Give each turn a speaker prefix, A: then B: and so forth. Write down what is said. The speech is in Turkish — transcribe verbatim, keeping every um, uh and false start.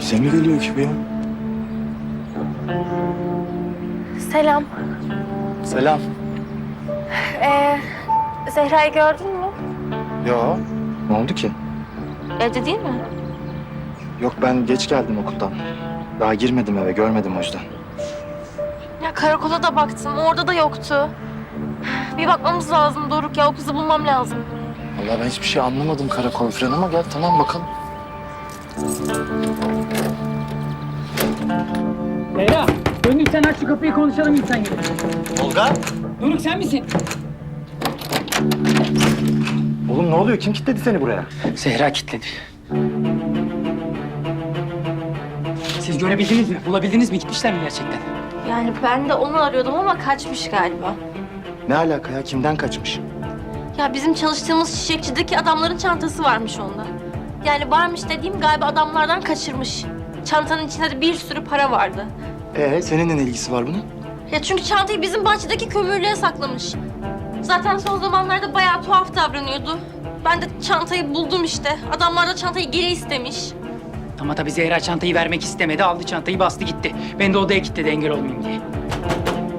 A: Size mi geliyor ki bu ya?
B: Selam.
A: Selam.
B: Ee, Zehra'yı gördün mü?
A: Yo. Ne oldu ki?
B: Evde değil mi?
A: Yok, ben geç geldim okuldan. Daha girmedim eve, görmedim o yüzden.
B: Ya karakola da baktım, orada da yoktu. Bir bakmamız lazım Doruk ya, o kızı bulmam lazım.
A: Vallahi ben hiçbir şey anlamadım karakol falan ama gel tamam bakalım.
C: Leyla, döndüksen aç şu kapıyı konuşalım insan gibi.
A: Tolga.
C: Doruk sen misin?
A: Oğlum ne oluyor? Kim kilitledi seni buraya?
C: Zehra kilitledi. Siz görebildiniz mi? Bulabildiniz mi? Gitmişler mi gerçekten?
B: Yani ben de onu arıyordum ama kaçmış galiba.
A: Ne alaka ya? Kimden kaçmış?
B: Ya bizim çalıştığımız çiçekçideki adamların çantası varmış onda. Yani varmış dediğim galiba adamlardan kaçırmış. Çantanın içinde de bir sürü para vardı.
A: Ee, senin ne ilgisi var bunun?
B: Ya çünkü çantayı bizim bahçedeki kömürlüğe saklamış. Zaten son zamanlarda bayağı tuhaf davranıyordu. Ben de çantayı buldum işte. Adamlar da çantayı geri istemiş.
C: Ama tabii Zehra çantayı vermek istemedi. Aldı çantayı bastı gitti. Ben de odaya kilitledi engel olmayayım diye.